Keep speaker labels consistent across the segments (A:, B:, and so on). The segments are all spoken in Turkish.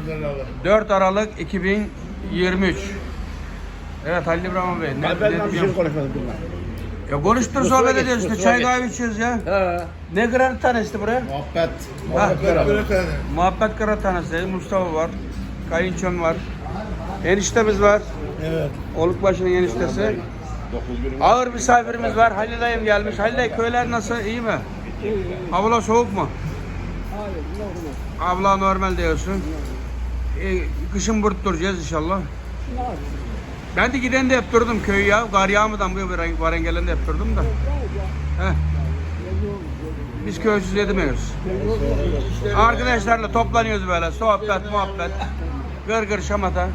A: 4 Aralık 2023. Evet Halil İbrahim Bey.
B: Ben bir şey konuşmadım bunlar.
A: Ya konuştur sohbet ediyoruz işte. Çay kahve içiyoruz ya.
B: He.
A: Ne kırar tanesi buraya?
B: Muhabbet.
A: Muhabbet kırar tanesi. Mustafa var. Kayınçom var. Eniştemiz var.
B: Evet.
A: Olukbaşı'nın eniştesi. Ağır misafirimiz var. Halil dayım gelmiş. Halil dayı köyler nasıl? İyi mi? Abla soğuk mu? Abla normal diyorsun. Kışın burada duracağız inşallah. Ben de giden de hep durdum köyü ya. Kar yağmadan bu varen gelen de hep durdum da. Heh. Biz köysüz edemiyoruz. Arkadaşlarla toplanıyoruz böyle. Sohbet, muhabbet. Gırgır şamata.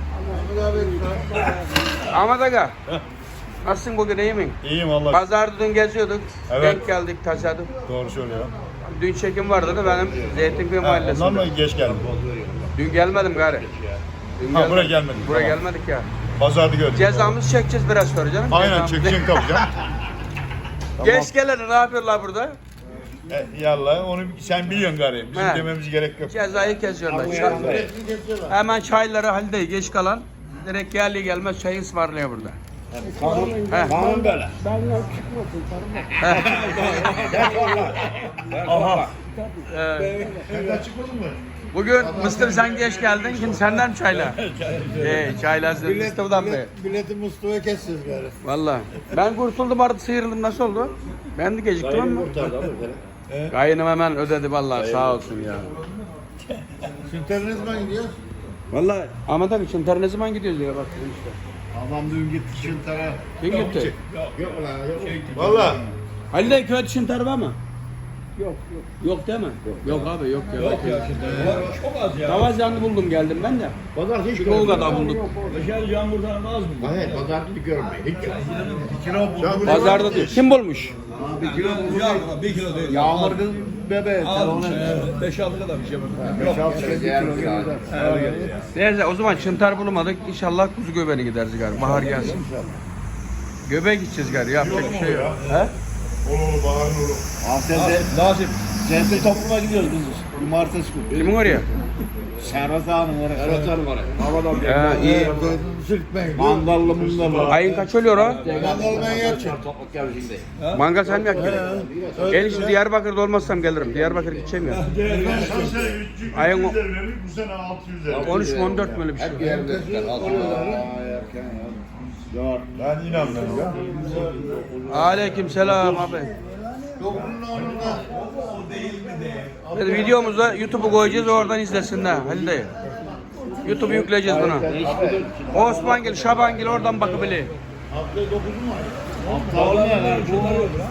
A: Ahmet Aga. Nasılsın bugün, iyi mi?
C: İyiyim vallahi.
A: Pazarda dün geziyorduk.
C: Evet.
A: Denk geldik taşadık.
C: Doğru söylüyor.
A: Dün çekim vardı da benim Zeytinköy mahallesinde.
C: Ondan mı geç geldin?
A: Dün gelmedim gari. Dün
C: Ha, buraya gelmedik,
A: Buraya
C: tamam.
A: gelmedik ya.
C: Pazarda gördük.
A: Cezamızı çekeceğiz biraz sonra canım.
C: Aynen
A: Cezamızı-
C: çekeceksin tabii canım.
A: Geç gelene ne yapıyorlar burada?
C: Yallah onu sen biliyorsun gari. Bizim
A: He.
C: dememize gerek yok.
A: Cezayı kesiyorlar. Hemen çayları Halide geç kalan direkt geldi gelmez çayı ısmarlıyor burada. He.
B: Kanun böyle.
A: He.
C: Aha.
A: Bugün Mısır sen geç geldin. Şimdi senden mi çayla? Çayla Mustafa'dan beri.
B: Bileti Mustafa'ya kesiyoruz gari.
A: Valla. Ben kurtuldum artık sıyrıldım. Nasıl oldu? Ben de geciktim ama. Kayınım hemen ödedi vallahi sağ olsun ya.
B: Sünter ne zaman gidiyor?
A: Vallahi Ahmet abi Çıntar ne zaman gidiyoruz diye bak işte.
B: Babam dün gitti Sünter'e.
A: Kim gitti?
B: Yok lan yok.
C: Valla.
A: Halil köy Çıntar var mı? Yok. Yok değil mi? Yok abi yok ya. Yok ya
C: Çok az ya.
A: Davazyanlı buldum geldim ben de.
B: Pazar hiç
A: Bir Tolga'da bulduk.
C: Dışarı yağmurdan az mı?
B: Hayır pazar bir görmeyin. Hiç. Bir kilo buldu.
A: Pazarda diyor. Kim bulmuş?
B: Bir kilo buldu.
C: Ya, 1 kilo değil.
B: Yağmur kız bebe.
C: Az 5-6 kadar bir şey var.
B: 5-6 kilo.
A: Neyse o zaman Çıntar bulamadık. İnşallah kuzu göbeğine gideriz galiba. Bahar gelsin. Göbeğe gideceğiz galiba. Yapacak bir şey yok. He?
C: Olur bahar olur.
B: Nasip. Cennete topluma gidiyoruz biz. Cumartesi günü.
A: Kimin oraya?
B: Serhat Ağa'nın oraya. Serhat Ağa'nın oraya.
A: He iyi.
B: Sürtmeyin. Mandallı mundalı.
A: Ayın kaç oluyor o?
B: Mandalı ben yapacağım.
A: Mangal sen mi yakacaksın? Gel şimdi Diyarbakır'da olmazsam gelirim. Diyarbakır'a gideceğim ya.
C: Geçen sene 300
A: Ayın o-
C: verdik, bu sene 600 verdik.
A: 13 mi 14 mi öyle bir şey?
C: Ben inanmıyorum ya.
A: Aleyküm selam abi. Dedi, videomuza YouTube'u koyacağız oradan izlesinler Halil dayı. YouTube'u yükleyeceğiz buna. Osmangil, Şabangil oradan bakabilir.
B: Hafta 9'u mu? Hafta olmuyor.